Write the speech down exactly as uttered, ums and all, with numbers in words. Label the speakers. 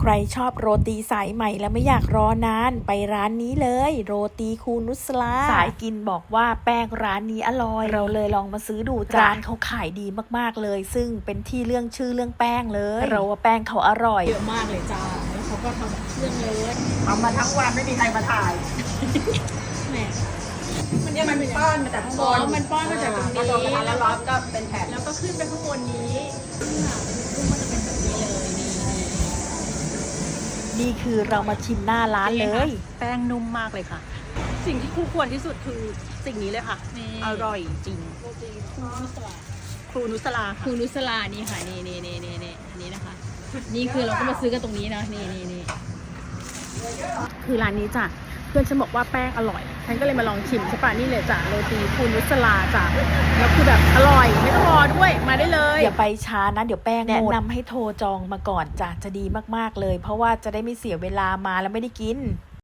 Speaker 1: ใครชอบโรตีสายใหม่และไม่อยากรอนานไปร้านนี้เลยโรตีคูนุสลาสายกินบอกว่าแป้งร้านนี้อร่อยเราเลยลองมาซื้อดูร้านเขาขายดีมากๆเลยซึ่งเป็นที่เรื่องชื่อเรื่องแป้งเลยเราว่าแป้งเขาอร่อย
Speaker 2: เยอะมากเลยจ้าแล้วเขาก็ทำเครื่องเลย
Speaker 3: ทำมาทั้งวันไม่มีใครมาถ่าย
Speaker 2: แหม
Speaker 3: มันเนี่ยมันป้อนมาจากข้างบน
Speaker 2: มันป้อนมาจากตรงนี้
Speaker 3: แล้วก็แล้วร้อนก็เป็นแผ่น
Speaker 2: แล้วก็ขึ้นไปข้างบนนี้ลูกมันจะเป็นแบบนี้เลยนี่
Speaker 1: นี่คือเรามาชิมหน้าร้านเลย
Speaker 2: แป้งนุ่มมากเลยค่ะสิ่งที่คู่ควรที่สุดคือสิ่งนี้เลยค่ะอร่อยจริงครูนุสลา
Speaker 4: ครูนุสลานี่ค่ะนี่นี่นี่นี่นี่อันนี้นะคะนี่คือเราก็มาซื้อกันตรงนี้นะนี่นี่นี่
Speaker 2: คือร้านนี้จ้ะเพื่อนฉันบอกว่าแป้งอร่อยฉันก็เลยมาลองชิมใช่ปะนี่เลยจ้ะโรตีครูนุสลาจ้ะแล้วคือแบบอร่อยไม่ต้องรอด้วยมาได้เลย
Speaker 1: อย่าไปช้านะเดี๋ยวแป้งแนะนำให้โทรจองมาก่อนจ้ะจะดีมากๆเลยเพราะว่าจะได้ไม่เสียเวลามาแล้วไม่ได้กิน